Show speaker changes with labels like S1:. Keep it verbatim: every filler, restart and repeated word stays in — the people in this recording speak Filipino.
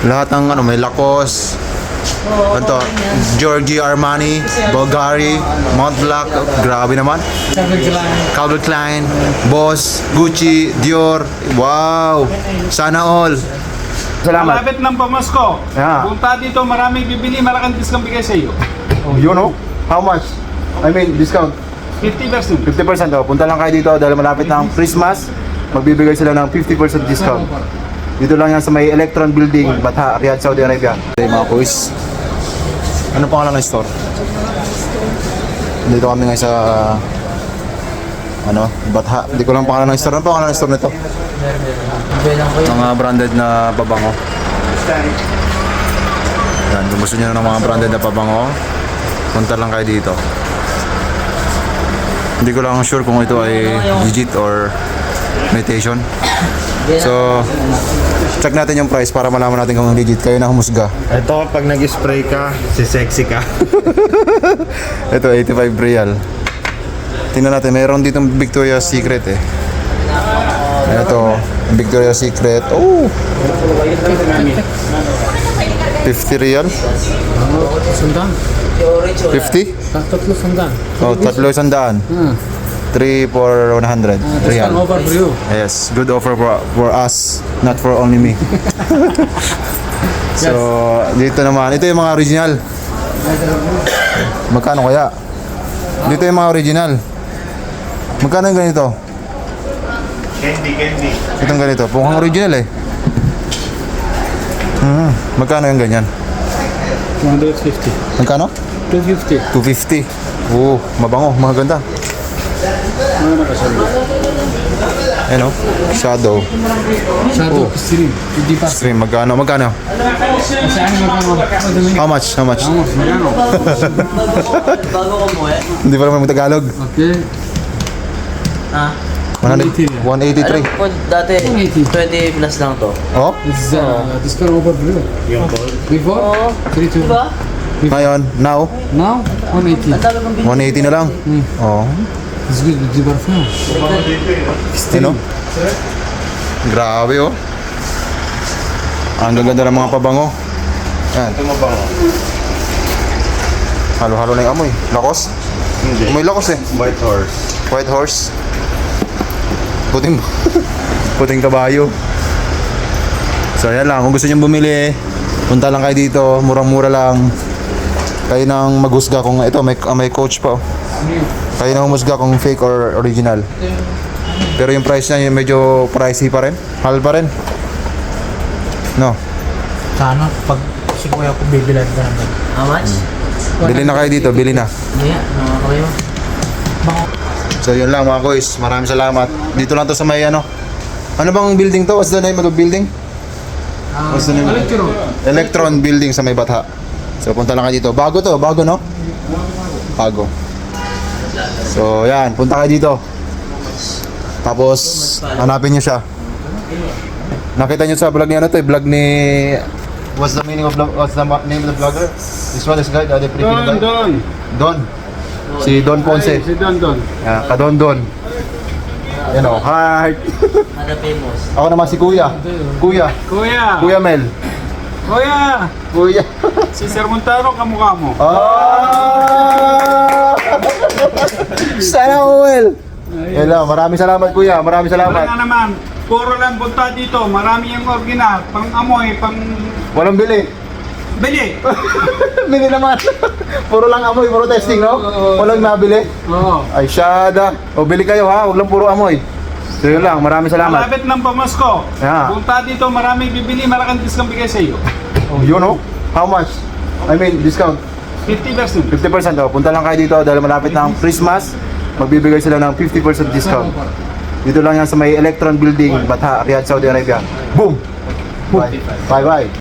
S1: Lahat ng ano, may Lacoste, ano, Giorgio Armani, Bulgari, Montblanc, oh, grabe naman. Calvin Klein, Boss, Gucci, Dior, wow, sana all. Salamat.
S2: Malapit ng pamasko.
S1: Yeah.
S2: Punta dito, maraming bibili, malaking discount bigay sa iyo.
S1: You know, how much? I mean, discount.
S2: fifty percent.
S1: fifty percent oh. Punta lang kayo dito dahil malapit ng Christmas. Magbibigay sila ng fifty percent discount. Dito lang yan sa may Electron Building, Batha, Riyadh, Saudi Arabia. Okay mga kuis. Ano pangalan ng store? Dito kami ngayon sa ano, Batha. Hindi ko lang pangalan ng store. Ano pangalan ng store nito? Mga branded na pabango. Yan, kung gusto nyo ng mga branded na pabango, punta lang kayo dito. Hindi ko lang sure kung ito ay legit or imitation. So, check natin yung price para malaman natin kung legit. Kayo na humusga.
S3: Ito, pag nag-spray ka, si sexy ka.
S1: Ito, eighty-five real. Tingnan natin, meron ditong Victoria's Secret eh. Ito, Victoria's Secret. Oh! fifty real? fifty?
S4: Tatlo sandaan.
S1: Oh, tatlo sandaan. three for one hundred real.
S4: Over for you.
S1: Yes, good offer for, for us, not for only me. So, dito naman, ito yung mga original. Magkano kaya? Dito yung mga original. Magkano yung ganito?
S3: Candy, candy.
S1: Itong ganito, mukhang original eh. Hmm, magkano yung ganyan?
S4: one fifty.
S1: Magkano?
S4: two fifty.
S1: two fifty. Oo, mabango, maganda. Ano? Shadow.
S4: Shadow stream. Hindi pa.
S1: Stream, magkano? Magkano?
S4: Saan magkano?
S1: How much? How much?
S4: Magkano?
S1: Hindi pa naman Tagalog.
S4: Okay.
S1: one eighty-three.
S5: Alam ko dati twenty plus lang to.
S1: Oh?
S4: This is uh, discount over for you.
S3: Yung gold.
S4: Before?
S5: Oo.
S4: three two.
S5: Diba?
S1: Ngayon, now,
S4: Now? one eighty.
S5: Ang dami kong
S1: one eighty na lang. Oh.
S4: It's good with the parfum.
S1: Ano? Grabe oh. Ang gaganda ng mga pabango. Yan.
S3: Ito mabango.
S1: Halo-halo na yung amoy. Lakos?
S3: Hindi.
S1: May lakos eh.
S3: White horse.
S1: White horse. Puting puting kabayo. So yan lang, kung gusto niyo bumili, punta lang kayo dito, murang-mura lang. Kayo nang maghusga kung ito may may coach pa. Oh. Kayo nang humusga kung fake or original. Pero yung price niya yung medyo pricey pa rin. Mahal pa rin. No.
S6: Sana pag si kuya ko bibilan ka naman.
S5: How much?
S1: Bili na kayo dito, bili na.
S5: Yeah, nakakawin mo.
S1: So yun lang mga boys, maraming salamat. Dito lang to sa may ano. Ano bang building to? What's the name of the building? What's the name?
S4: Electro.
S1: Electron Building sa may Batha. So punta lang kayo dito. Bago to, bago no? Bago. So yan, punta kayo dito. Tapos hanapin niyo siya. Nakita niyo sa vlog ni ano to, eh, vlog ni What's the meaning of vlog? What's the ma- name of the vlogger? This one is guy, the other Filipino
S2: Don,
S1: guy.
S2: Don.
S1: Don. Si Don Ponce.
S2: Si Don, Don.
S1: Yeah, ka Don Don. You know, hi.
S5: Ada famous.
S1: Ako naman si Kuya. Kuya.
S2: Kuya.
S1: Kuya Mel.
S2: Kuya.
S1: Kuya.
S2: Si Sir Montaro, kamukha mo.
S1: Ah! Sana all. Hello, maraming salamat Kuya. Maraming
S2: Wala
S1: salamat.
S2: na naman. Puro lang punta dito. Marami yung original. Pang amoy, pang
S1: Walang bili.
S2: bili.
S1: Bili naman. Puro lang amoy, puro testing, no? Walang nabili.
S2: Oo.
S1: Ay, syada. O, bili kayo ha. Huwag lang puro amoy. So yun lang. Maraming salamat.
S2: Malapit ng pamasko.
S1: Yeah.
S2: Punta dito, maraming bibili, malaking discount bigay sa iyo.
S1: You know? How much? I mean, discount.
S2: fifty percent.
S1: fifty percent oh. Punta lang kayo dito dahil malapit ng Christmas. Magbibigay sila ng fifty percent discount. Dito lang yan sa may Electron Building, Batha, Riyadh, Saudi Arabia. Boom! Bye. Bye-bye.